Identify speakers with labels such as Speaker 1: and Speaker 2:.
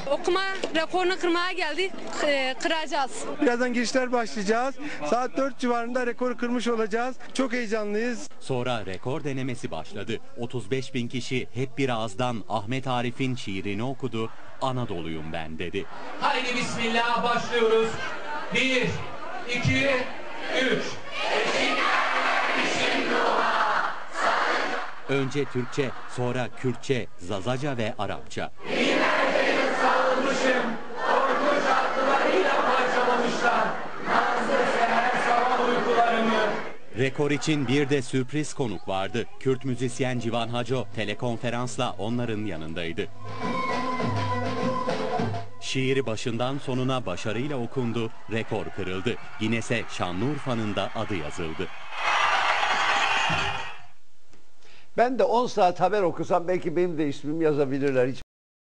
Speaker 1: Okuma rekorunu kırmaya geldik. Kıracağız.
Speaker 2: Birazdan girişler başlayacağız. Saat 4 civarında rekoru kırmış olacağız. Çok heyecanlıyız.
Speaker 3: Sonra rekor denemesi başladı. 35.000 kişi hep bir ağızdan Ahmet Arif'in şiirini okudu. Anadolu'yum ben dedi.
Speaker 4: Haydi bismillah başlıyoruz. 1, 2, 3.
Speaker 3: Önce Türkçe, sonra Kürtçe, Zazaca ve Arapça.
Speaker 4: Binlerce sarılmışım. Korkunç atlılarıyla parçalamışlar. Nazlı seher sabah uykularımı.
Speaker 3: Rekor için bir de sürpriz konuk vardı. Kürt müzisyen Civan Haco telekonferansla onların yanındaydı. Şiiri başından sonuna başarıyla okundu, rekor kırıldı. Guinness'e Şanlıurfa'nın da adı yazıldı.
Speaker 5: Ben de 10 saat haber okusam belki benim de ismimi yazabilirler. Hiç